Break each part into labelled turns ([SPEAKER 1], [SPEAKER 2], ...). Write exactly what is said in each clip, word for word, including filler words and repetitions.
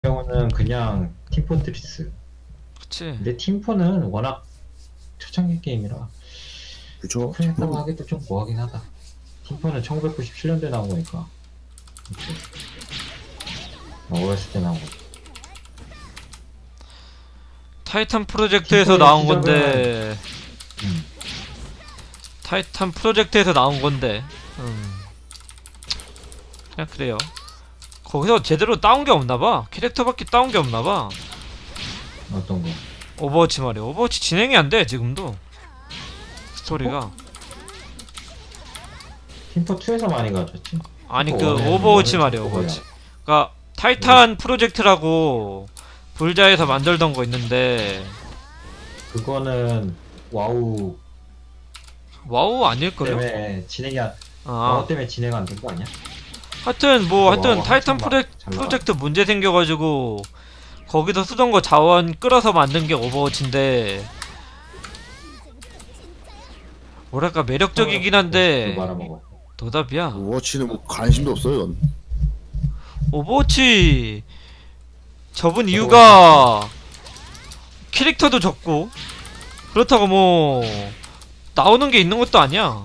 [SPEAKER 1] 경우는 그냥 팀포트리스.
[SPEAKER 2] 그치.
[SPEAKER 1] 근데 팀포는 워낙 초창기 게임이라
[SPEAKER 3] 그쵸?
[SPEAKER 1] 오픈했다고 하기도 좀 뭐하긴 하다. 팀포는 천구백구십칠 년도에 나온 거니까. 그치. 어렸을 때 나온 거.
[SPEAKER 2] 타이탄 프로젝트에서
[SPEAKER 1] 팀포의
[SPEAKER 2] 나온
[SPEAKER 1] 시작은-
[SPEAKER 2] 건데
[SPEAKER 1] 음.
[SPEAKER 2] 타이탄 프로젝트에서 나온 건데 음. 그냥 그래요. 거기서 제대로 따온 게 없나봐. 캐릭터밖에 따온 게 없나봐.
[SPEAKER 1] 어떤 거?
[SPEAKER 2] 오버워치 말이야. 오버워치 진행이 안 돼 지금도 스토리가.
[SPEAKER 1] 팀포이에서 많이 가졌지.
[SPEAKER 2] 아니 그
[SPEAKER 1] 팀포 원에는
[SPEAKER 2] 오버워치
[SPEAKER 1] 원을
[SPEAKER 2] 말이야.
[SPEAKER 1] 좀
[SPEAKER 2] 오버워치. 그니까 타이탄 프로젝트라고 불자에서 만들던 거 있는데
[SPEAKER 1] 그거는 와우
[SPEAKER 2] 와우 아닐걸요?
[SPEAKER 1] 때문에 진행이 안,
[SPEAKER 2] 아
[SPEAKER 1] 와우 때문에 진행 안 된 거 아니야?
[SPEAKER 2] 하여튼 뭐
[SPEAKER 1] 와우
[SPEAKER 2] 하여튼 타이탄
[SPEAKER 1] 한참 막
[SPEAKER 2] 프로젝,
[SPEAKER 1] 잘 나가.
[SPEAKER 2] 프로젝트 문제 생겨가지고 거기서 쓰던 거 자원 끌어서 만든 게 오버워치인데 뭐랄까 매력적이긴 한데
[SPEAKER 1] 그거 말아먹어.
[SPEAKER 2] 도답이야.
[SPEAKER 3] 오버워치는 뭐 관심도 없어요. 넌.
[SPEAKER 2] 오버워치 접은 이유가 캐릭터도 적고 그렇다고 뭐 나오는 게 있는 것도 아니야.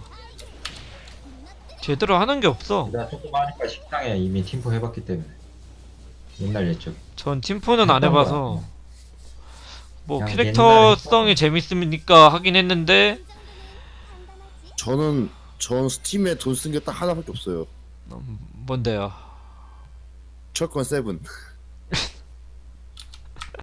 [SPEAKER 2] 제대로 하는 게 없어.
[SPEAKER 1] 나 조금 하니까 식당에 이미 팀포 해봤기 때문에 옛날 옛적.
[SPEAKER 2] 전 팀포는 안
[SPEAKER 1] 했던 거야,
[SPEAKER 2] 해봐서
[SPEAKER 1] 그냥.
[SPEAKER 2] 뭐
[SPEAKER 1] 그냥
[SPEAKER 2] 캐릭터성이 재밌으니까 하긴 했는데
[SPEAKER 3] 저는 전 스팀에 돈 쓴 게 딱 하나밖에 없어요.
[SPEAKER 2] 음, 뭔데요?
[SPEAKER 3] 철권 세븐.